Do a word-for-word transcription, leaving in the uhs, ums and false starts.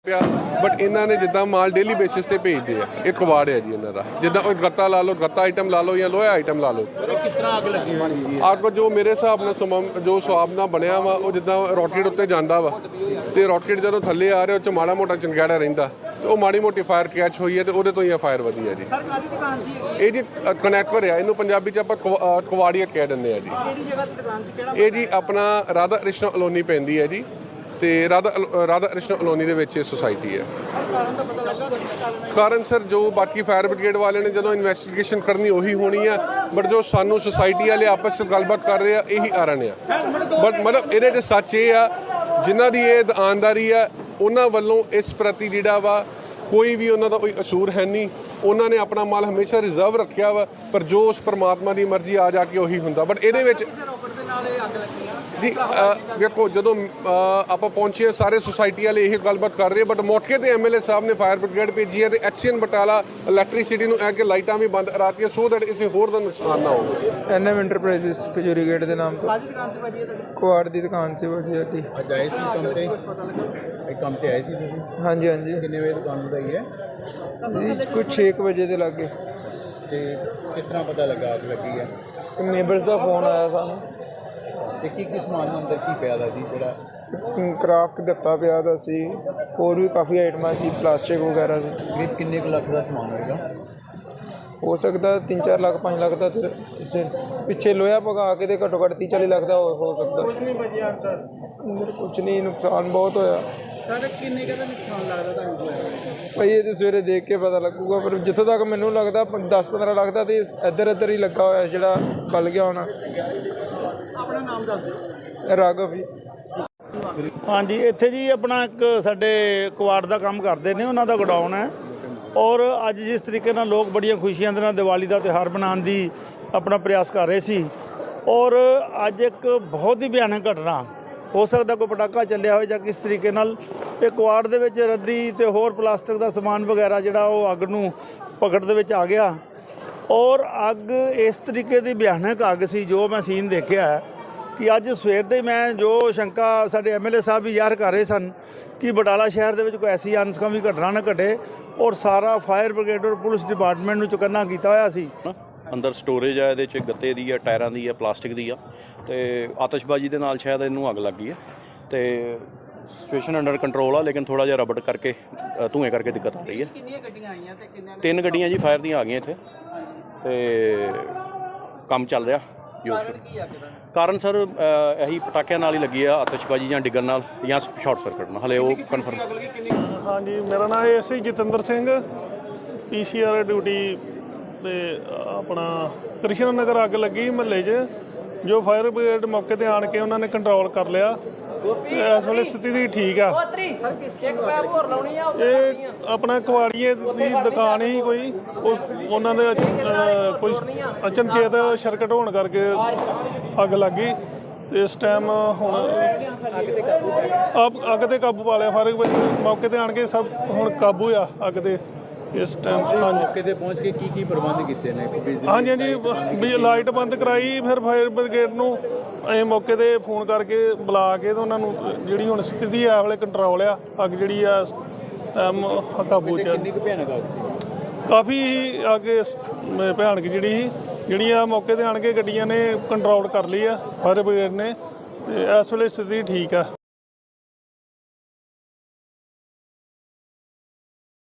ਪਿਆ ਬਟ ਇਹਨਾਂ ਨੇ ਜਿੱਦਾਂ ਮਾਲ ਡੇਲੀ ਬੇਸਿਸ ਤੇ ਭੇਜਦੇ ਆ। ਇਹ ਕਵਾੜ ਹੈ ਜੀ ਇਹਨਾਂ ਦਾ, ਜਿੱਦਾਂ ਉਹ ਗੱਤਾ ਲਾ ਲਓ, ਗੱਤਾ ਆਈਟਮ ਲਾ ਲਓ ਜਾਂ ਲੋਹਾ ਆਈਟਮ ਲਾ ਲਓ। ਕਿਸ ਤਰ੍ਹਾਂ ਅੱਗ ਲੱਗੀ ਹੋਈ ਹੈ? ਅੱਗ ਜੋ ਮੇਰੇ ਹਿਸਾਬ ਨਾਲ ਸਮਾਂ ਜੋ ਸਵਾਬ ਨਾਲ ਬਣਿਆ ਵਾ, ਉਹ ਜਿੱਦਾਂ ਰੋਕੇਟ ਉੱਤੇ ਜਾਂਦਾ ਵਾ ਤੇ ਰੋਕੇਟ ਜਦੋਂ ਥੱਲੇ ਆ ਰਿਹਾ ਉਹ 'ਚ ਮਾੜਾ ਮੋਟਾ ਚੰਗਿਆੜਾ ਰਹਿੰਦਾ ਤੇ ਉਹ ਮਾੜੀ ਮੋਟੀ ਫਾਇਰ ਕੈਚ ਹੋਈ ਹੈ ਤੇ ਉਹਦੇ ਤੋਂ ਹੀ ਆ ਫਾਇਰ ਵਧੀ ਹੈ ਜੀ। ਸਰ ਕਾਹਦੀ ਦੁਕਾਨ ਸੀ ਇਹ ਜੀ ਕਨੈਕਟਰ ਆ, ਇਹਨੂੰ ਪੰਜਾਬੀ 'ਚ ਆਪਾਂ ਕਵਾ- ਕਵਾੜੀਆ ਕਹਿ ਦਿੰਦੇ ਆ ਜੀ। ਕਿਹੜੀ ਜਗ੍ਹਾ ਤੇ ਦੁਕਾਨ ਸੀ, ਕਿਹੜਾ ਇਹ ਜੀ ਆਪਣਾ ਰਾਧਾ ਕ੍ਰਿਸ਼ਨ ਅਲੋਨੀ ਪੈਂਦੀ ਹੈ ਜੀ ਤੇ ਰਾਧਾ ਰਾਧਾ ਕ੍ਰਿਸ਼ਨ ਅਲੋਨੀ ਦੇ ਵਿੱਚ ਇਹ ਸੁਸਾਇਟੀ ਹੈ। ਕਾਰਨ ਦਾ ਪਤਾ ਲੱਗਾ? ਕਾਰਨ ਸਰ ਜੋ ਬਾਕੀ ਫਾਇਰ ਬ੍ਰਿਗੇਡ ਵਾਲੇ ਨੇ ਜਦੋਂ ਇਨਵੈਸਟੀਗੇਸ਼ਨ ਕਰਨੀ ਉਹੀ ਹੋਣੀ ਆ, ਬਟ ਜੋ ਸਾਨੂੰ ਸੁਸਾਇਟੀ ਵਾਲੇ ਆਪਸ ਵਿੱਚ ਗੱਲਬਾਤ ਕਰ ਰਹੇ ਆ ਇਹੀ ਕਾਰਨ ਆ। ਬਟ ਮਤਲਬ ਇਹਦੇ 'ਚ ਸੱਚ ਇਹ ਆ, ਜਿਨ੍ਹਾਂ ਦੀ ਇਹ ਦੁਕਾਨਦਾਰੀ ਆ ਉਹਨਾਂ ਵੱਲੋਂ ਇਸ ਪ੍ਰਤੀ ਜਿਹੜਾ ਵਾ ਕੋਈ ਵੀ ਉਹਨਾਂ ਦਾ ਕੋਈ ਕਸੂਰ ਹੈ ਨਹੀਂ। ਉਹਨਾਂ ਨੇ ਆਪਣਾ ਮਾਲ ਹਮੇਸ਼ਾ ਰਿਜ਼ਰਵ ਰੱਖਿਆ ਵਾ, ਪਰ ਜੋ ਉਸ ਪਰਮਾਤਮਾ ਦੀ ਮਰਜ਼ੀ ਆ ਜਾ ਕੇ ਉਹੀ ਹੁੰਦਾ। ਬਟ ਇਹਦੇ ਵਿੱਚ ਰੋਕਟ ਦੇ ਨਾਲ ਇਹ ਅੱਗ ਲੱਗੀ ਆ। ਜੀ ਵੇਖੋ ਜਦੋਂ ਆਪਾਂ ਪਹੁੰਚੇ ਸਾਰੇ ਸੁਸਾਇਟੀ ਵਾਲੇ ਇਹ ਗੱਲਬਾਤ ਕਰ ਰਹੇ, ਬਟ ਮੌਕੇ ਤੇ ਐਮਐਲਏ ਸਾਹਿਬ ਨੇ ਫਾਇਰ ਬ੍ਰਿਗੇਡ ਭੇਜੀ ਹੈ ਤੇ ਐਕਸੀਅਨ ਬਟਾਲਾ ਇਲੈਕਟ੍ਰਿਸਿਟੀ ਨੂੰ ਐ ਕਿ ਲਾਈਟਾਂ ਵੀ ਬੰਦ ਕਰਾਤੀਆਂ ਸੋ ਦੈਟ ਇਸੇ ਹੋਰ ਦਾ ਨੁਕਸਾਨ ਨਾ ਹੋਵੇ। ਐਨਐਮ ਇੰਟਰਪ੍ਰਾਈਜ਼ਸ ਖਜੂਰੀ ਗੇਟ ਦੇ ਨਾਮ ਤੋਂ ਕਾਹਦੀ ਦੁਕਾਨ ਤੇ ਭਾਜੀ ਇਹ ਤੁਹਾਡੀ? ਕੁਆੜ ਦੀ ਦੁਕਾਨ ਸੀ ਭਾਜੀ ਸਾਡੀ। ਅੱਜ ਆਏ ਸੀ ਕੰਮ ਤੇ? ਇਹ ਕੰਮ ਤੇ ਆਏ ਸੀ ਤੁਸੀਂ? ਹਾਂਜੀ ਹਾਂਜੀ ਕਿੰਨੇ ਵਜੇ ਦੁਕਾਨ ਵਧਾਈ ਹੈ ਜੀ, ਕੁਝ ਛੇ ਕੁ ਵਜੇ ਦੇ ਲਾਗੇ ਤੇ ਕਿਸ ਤਰ੍ਹਾਂ ਪਤਾ ਲੱਗਾ ਅੱਗ ਲੱਗੀ ਹੈ? ਨੇਬਰਸ ਦਾ ਫੋਨ ਆਇਆ ਸਾਨੂੰ। ਤੇ ਕੀ ਕੀ ਸਮਾਨ ਅੰਦਰ ਕੀ ਪਿਆ ਦਾ ਜੀ ਜਿਹੜਾ? ਕਰਾਫਟ ਗੱਤਾ ਪਿਆ ਦਾ ਸੀ, ਹੋਰ ਵੀ ਕਾਫੀ ਆਈਟਮਾਂ ਸੀ, ਪਲਾਸਟਿਕ ਵਗੈਰਾ ਸੀ। ਕਰੀਬ ਕਿੰਨੇ ਕੁ ਲੱਖ ਦਾ ਸਮਾਨ ਹੋਏਗਾ? ਹੋ ਸਕਦਾ ਤਿੰਨ ਚਾਰ ਲੱਖ ਪੰਜ ਲੱਖ ਦਾ ਤੇ ਪਿੱਛੇ ਪਿੱਛੇ ਲੋਹਾ ਪਗਾ ਕੇ ਤੇ ਘੱਟੋ ਘੱਟ ਤੀਹ ਚਾਲੀ ਲੱਖ ਦਾ ਹੋ ਹੋ ਸਕਦਾ। ਕੁਝ ਨਹੀਂ ਬਚਿਆ ਅੰਦਰ। ਅੰਦਰ ਕੁਝ ਨਹੀਂ, ਨੁਕਸਾਨ ਬਹੁਤ ਹੋਇਆ ਸਾਡੇ ਕਿੰਨੇ ਕੁ ਦਾ ਨੁਕਸਾਨ ਲੱਗਦਾ ਤੁਹਾਨੂੰ ਹੋਇਆ? ਭਾਈ ਇਹ ਤੇ ਸਵੇਰੇ ਦੇਖ ਕੇ ਪਤਾ ਲੱਗੂਗਾ, ਪਰ ਜਿੱਥੋਂ ਤੱਕ ਮੈਨੂੰ ਲੱਗਦਾ ਦਸ ਪੰਦਰਾਂ ਲੱਖ ਦਾ ਤੇ ਇੱਧਰ ਇੱਧਰ ਹੀ ਲੱਗਾ ਹੋਇਆ ਜਿਹੜਾ ਬਲ ਗਿਆ ਹੋਣਾ। ਆਪਣਾ ਨਾਮ ਦੱਸ ਦਿਓ। ਰਾਘਵ ਜੀ। ਹਾਂਜੀ, ਇੱਥੇ ਜੀ ਆਪਣਾ ਇੱਕ ਸਾਡੇ ਕੁਆੜ ਦਾ ਕੰਮ ਕਰਦੇ ਨੇ, ਉਹਨਾਂ ਦਾ ਗੋਡਾਊਨ ਹੈ। ਔਰ ਅੱਜ ਜਿਸ ਤਰੀਕੇ ਨਾਲ ਲੋਕ ਬੜੀਆਂ ਖੁਸ਼ੀਆਂ ਦੇ ਨਾਲ ਦੀਵਾਲੀ ਦਾ ਤਿਉਹਾਰ ਮਨਾਉਣ ਦੀ ਆਪਣਾ ਪ੍ਰਯਾਸ ਕਰ ਰਹੇ ਸੀ, ਔਰ ਅੱਜ ਇੱਕ ਬਹੁਤ ਹੀ ਭਿਆਨਕ ਘਟਨਾ, ਹੋ ਸਕਦਾ ਕੋਈ ਪਟਾਕਾ ਚੱਲਿਆ ਹੋਵੇ ਜਾਂ ਕਿਸ ਤਰੀਕੇ ਨਾਲ ਇਹ ਕੁਆੜ ਦੇ ਵਿੱਚ ਰੱਦੀ ਤੇ ਹੋਰ ਪਲਾਸਟਿਕ ਦਾ ਸਮਾਨ ਵਗੈਰਾ ਜਿਹੜਾ ਉਹ ਅੱਗ ਨੂੰ ਪਕੜ ਦੇ ਵਿੱਚ ਆ ਗਿਆ। ਔਰ ਅੱਗ ਇਸ ਤਰੀਕੇ ਦੀ ਭਿਆਨਕ ਅੱਗ ਸੀ ਜੋ ਮੈਂ ਸੀਨ ਦੇਖਿਆ ਹੈ ਕਿ ਅੱਜ ਸਵੇਰ ਦੇ ਮੈਂ ਜੋ ਸ਼ੰਕਾ ਸਾਡੇ ਐਮਐਲਏ ਸਾਹਿਬ ਵੀ ਜ਼ਾਹਰ ਕਰ ਰਹੇ ਸਨ ਕਿ ਬਟਾਲਾ ਸ਼ਹਿਰ ਦੇ ਵਿੱਚ ਕੋਈ ਐਸੀ ਅਨਸਕਾਮੀ ਘਟਨਾ ਨਾ ਘਟੇ, ਔਰ ਸਾਰਾ ਫਾਇਰ ਬ੍ਰਿਗੇਡ ਔਰ ਪੁਲਿਸ ਡਿਪਾਰਟਮੈਂਟ ਨੂੰ ਚੁਕੰਨਾ ਕੀਤਾ ਹੋਇਆ ਸੀ। ਅੰਦਰ ਸਟੋਰੇਜ ਆ, ਇਹਦੇ 'ਚ ਗੱਤੇ ਦੀ ਆ, ਟਾਇਰਾਂ ਦੀ ਆ, ਪਲਾਸਟਿਕ ਦੀ ਆ ਤੇ ਆਤਿਸ਼ਬਾਜ਼ੀ ਦੇ ਨਾਲ ਸ਼ਾਇਦ ਇਹਨੂੰ ਅੱਗ ਲੱਗ ਗਈ ਹੈ ਤੇ ਸਿਚੁਏਸ਼ਨ ਅੰਡਰ ਕੰਟਰੋਲ ਆ, ਲੇਕਿਨ ਥੋੜਾ ਜਿਹਾ ਰਬੜ ਕਰਕੇ ਧੂਏ ਕਰਕੇ ਦਿੱਕਤ ਆ ਰਹੀ ਹੈ। ਕਿੰਨੀਆਂ ਗੱਡੀਆਂ ਆਈਆਂ ਤੇ ਕਿੰਨਿਆਂ ਨੇ? ਤਿੰਨ ਗੱਡੀਆਂ ਜੀ ਫਾਇਰ ਦੀਆਂ ਆ ਗਈਆਂ ਇੱਥੇ ਤੇ ਕੰਮ ਚੱਲ ਰਿਹਾ ਜੋ ਕੀ ਆ ਕਿਦਾ? ਕਾਰਨ ਸਰ ਇਹੀ ਪਟਾਕਿਆਂ ਨਾਲ ਹੀ ਲੱਗੀ ਆ, ਆਤਿਸ਼ਬਾਜ਼ੀ ਜਾਂ ਡਿੱਗਣ ਨਾਲ ਜਾਂ ਸ਼ਾਰਟ ਸਰਕਟ ਨਾਲ, ਹਲੇ ਉਹ ਕਨਫਰਮ। ਹਾਂਜੀ, ਮੇਰਾ ਨਾਮ ਹੈ SI Jatinder Singh, PCR duty ਤੇ ਆਪਣਾ ਕ੍ਰਿਸ਼ਨ ਨਗਰ ਅੱਗ ਲੱਗੀ ਮਹੱਲੇ 'ਚ, ਜੋ ਫਾਇਰ ਬ੍ਰਿਗੇਡ ਮੌਕੇ ਤੇ ਆਣ ਕੇ ਉਹਨਾਂ ਨੇ ਕੰਟਰੋਲ ਕਰ ਲਿਆ। ਇਸ ਵੇਲੇ ਸਥਿਤੀ ਠੀਕ ਆ। ਇਹ ਆਪਣਾ ਕੁਆੜੀਏ ਦੀ ਦੁਕਾਨ ਹੀ ਕੋਈ, ਉਹਨਾਂ ਦੇ ਕੋਈ ਅਚਨਚੇਤ ਸਰਕਟ ਹੋਣ ਕਰਕੇ ਅੱਗ ਲੱਗ ਗਈ ਤੇ ਇਸ ਟਾਈਮ ਹੁਣ ਅੱਗ ਤੇ ਕਾਬੂ ਪਾ ਲਿਆ ਫਾਇਰ ਬ੍ਰਿਗੇਡ ਮੌਕੇ ਤੇ ਆਣ ਕੇ, ਸਭ ਹੁਣ ਕਾਬੂ ਆ ਅੱਗ ਤੇ ਇਸ ਟਾਈਮ। ਹਾਂਜੀ, ਮੌਕੇ ਤੇ ਪਹੁੰਚ ਕੇ ਕੀ ਕੀ ਪ੍ਰਬੰਧ ਕੀਤੇ ਨੇ? ਹਾਂਜੀ ਹਾਂਜੀ ਵੀ ਲਾਈਟ ਬੰਦ ਕਰਾਈ, ਫਿਰ ਫਾਇਰ ਬ੍ਰਿਗੇਡ ਨੂੰ ਅਸੀਂ ਮੌਕੇ ਤੇ ਫੋਨ ਕਰਕੇ ਬੁਲਾ ਕੇ ਤੇ ਉਹਨਾਂ ਨੂੰ ਜਿਹੜੀ ਹੁਣ ਸਥਿਤੀ ਆ ਵਾਲੇ ਕੰਟਰੋਲ ਆ, ਅੱਗ ਜਿਹੜੀ ਆ ਟਾਈਮ ਕਾਬੂ 'ਚ। ਕਿੰਨੀ ਕੁ ਭਿਆਨਕ ਅੱਗ ਸੀ? ਕਾਫੀ ਅੱਗ ਭਿਆਨਕ ਜਿਹੜੀ ਸੀ, ਜਿਹੜੀ ਆ ਮੌਕੇ ਤੇ ਆਣ ਕੇ ਗੱਡੀਆਂ ਨੇ ਕੰਟਰੋਲ ਕਰ ਲਈ ਆ ਫਾਇਰ ਬ੍ਰਿਗੇਡ ਨੇ, ਤੇ ਇਸ ਵੇਲੇ ਸਥਿਤੀ ਠੀਕ ਆ।